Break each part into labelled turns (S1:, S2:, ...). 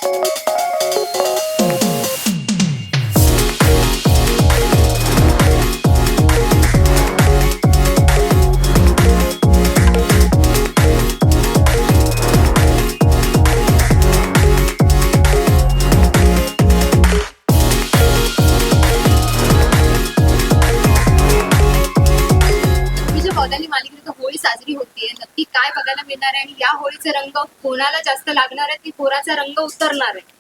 S1: मालिकेत होळी साजरी होतीये, नक्की काय बघायला मिळणार आहे आणि या होळीचे रंग कोणाला जास्त लागणार आहे की कोणाचा रंग उतरणार आहे?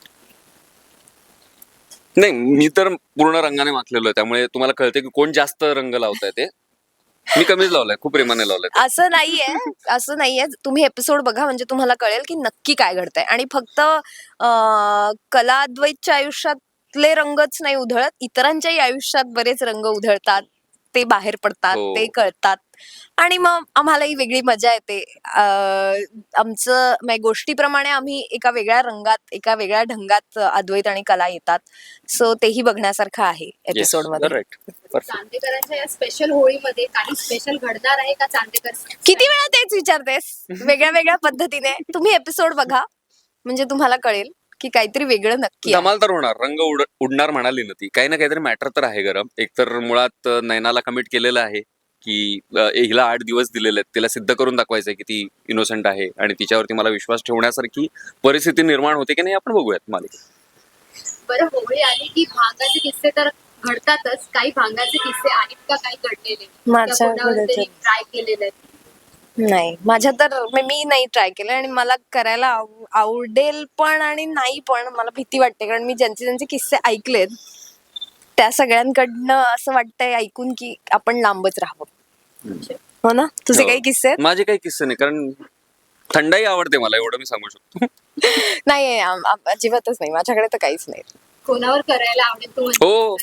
S2: नाही, मी तर पूर्ण रंगाने माखलेलो आहे, त्यामुळे तुम्हाला कळते की कोण जास्त रंग लावताय ते. मी कमीच लावलाय, खूप प्रेमाने लावलाय.
S3: असं नाहीये. तुम्ही एपिसोड बघा म्हणजे तुम्हाला कळेल की नक्की काय घडतंय. आणि फक्त कला अद्वैतच्या आयुष्यातले रंगच नाही उधळत, इतरांच्याही आयुष्यात बरेच रंग उधळतात, ते बाहेर पडतात, ते कळतात आणि मग आम्हालाही वेगळी मजा येते. आमचं गोष्टीप्रमाणे आम्ही एका वेगळ्या रंगात, एका वेगळ्या ढंगात अद्वैत आणि कला येतात. सो तेही बघण्यासारखं आहे एपिसोड मध्ये.
S1: चांदेकरांच्या या स्पेशल होळीमध्ये काही स्पेशल घडणार आहे का? चांदेकर
S3: किती वेळा तेच विचारतेस वेगळ्या वेगळ्या पद्धतीने. तुम्ही एपिसोड बघा म्हणजे तुम्हाला कळेल की काहीतरी वेगळं नक्की
S2: धमाल तर होणार. रंग उडणार म्हणाली ना ती, काही ना काहीतरी मॅटर तर आहे गरम. एकतर मुळात नैनाला कमिट केलेलं आहे की हिला 8 दिवस दिलेले आहेत, तिला सिद्ध करून दाखवायचंय की ती इनोसंट आहे आणि तिच्यावरती मला विश्वास ठेवण्यासारखी परिस्थिती निर्माण होते की नाही आपण बघूयात मालिकेत.
S1: बरं, होळी आली की भांगाचे किस्से तर घडतातच. काही भांगाचे किस्से आहेत का काही घडलेले ट्राय केलेले?
S3: नाही, माझ्या तर मी नाही ट्राय केलं आणि मला करायला आवडेल पण आणि नाही पण. मला भीती वाटते कारण मी ज्यांचे किस्से ऐकलेत त्या सगळ्यांकडनं असं वाटतंय ऐकून की आपण लांबच राहावं. हो ना? तुझे काही किस्से आहेत?
S2: माझे काही किस्से नाही, कारण थंडाई आवडते मला, एवढं मी सांगू शकतो.
S3: नाही, अजिबातच नाही, माझ्याकडे तर काहीच नाही.
S1: कोणावर करायला आवडेल तू?
S2: हो,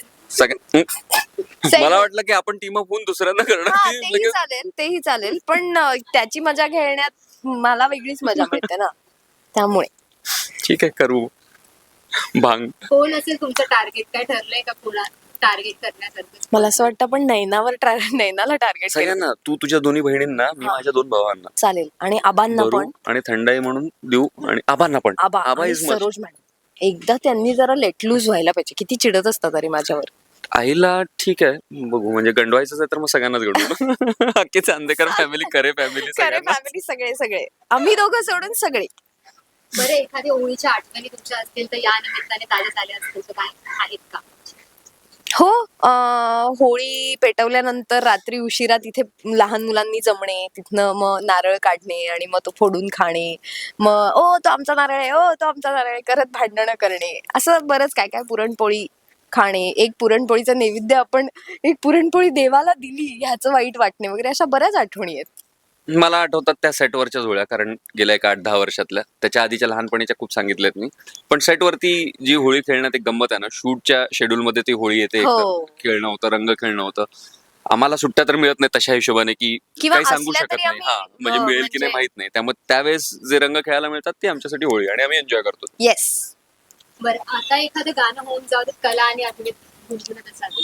S2: मला वाटलं की आपण टीम अप होऊन दुसऱ्यांना करणार.
S3: तेही चालेल पण त्याची मजा घेण्यात मला वेगळीच मजा मिळते ना, त्यामुळे
S2: ठीक आहे, करू. भांग
S1: कोण असेल तुमचं टार्गेट? काय ठरलंय का कोणा टार्गेट करण्यासारखं?
S3: मला असं वाटतं पण नैनाला टार्गेट
S2: सगळ्यांना. तू तुझ्या दोन्ही बहिणींना, मी माझ्या 2 भावांना.
S3: चालेल. आणि आबांना पण.
S2: आणि थंडाई म्हणून देऊ आणि आबांना पण.
S3: Aba is Saroj madam. एकदा त्यांनी जरा लेट लूज व्हायला पाहिजे. किती चिडत असतात तरी माझ्यावर.
S2: आईला ठीक आहे, बघू. म्हणजे गंडवायचंच आहे तर मग सगळ्यांनाच गंडवू. अख्खी चांदेकर फॅमिली, करे फॅमिली
S3: सगळे आम्ही दोघं सोडून सगळे.
S1: बरं, एखाद्या होळीच्या आठवणी तुमच्या असतील तर या निमित्ताने ताज्या झाल्या असतील तर काय आहेत का?
S3: हो, होळी पेटवल्यानंतर रात्री उशिरा तिथे लहान मुलांनी जमणे, तिथनं मग नारळ काढणे आणि मग तो फोडून खाणे, मग ओ तो आमचा नारळ आहे, ओ तो आमचा नारळ आहे करत भांडणं करणे, असं बरंच काय काय. पुरणपोळी खाणे, एक पुरणपोळीचा नैवेद्य आपण एक पुरणपोळी देवाला दिली ह्याचं वाईट वाटणे वगैरे, अशा बऱ्याच आठवणी आहेत.
S2: मला आठवतात त्या सेटवरच्या होळ्या, कारण गेल्या 8-10 वर्षातल्या. त्याच्या आधीच्या लहानपणीच्या खूप सांगितल्यात मी. पण सेटवरती जी होळी खेळण्यात एक गंमत आहे ना, शूटच्या शेड्यूल मध्ये ती होळी येते, खेळणं होतं, रंग खेळणं होतं. आम्हाला सुट्ट्या तर मिळत नाही तशा हिशोबाने की काही सांगू शकत नाही. म्हणजे मिळेल की नाही माहित नाही. त्यामुळे त्यावेळेस जे रंग खेळायला मिळतात ते आमच्यासाठी होळी, आणि आम्ही एन्जॉय करतो.
S3: येस.
S1: बरं, आता एखादं गाणं होऊन जाऊ दे, कला आणि आठवणीत गुणगुणत असावी.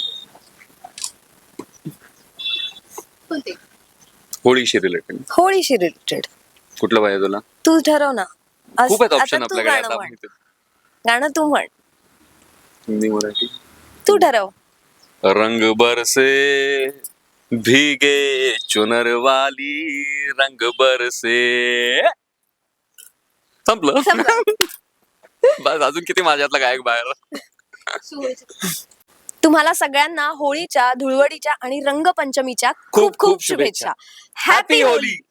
S1: कोणते?
S3: होळीशी रिलेटेड
S2: कुठलं पाहिजे तुला?
S3: तू ठरव ना.
S2: खूप आहेत ऑप्शन आपल्याकडे.
S3: गाणं तू म्हण.
S2: हिंदी, मराठी
S3: तू ठरव.
S2: रंग बरसे भीगे चुनर वाली, रंग बरसे. संपलं. बस, अजून किती माझ्यातला गायक बाहेर.
S3: तुम्हाला सगळ्यांना होळीच्या, धुळवडीच्या आणि रंगपंचमीच्या खूप खूप शुभेच्छा. हॅपी होळी.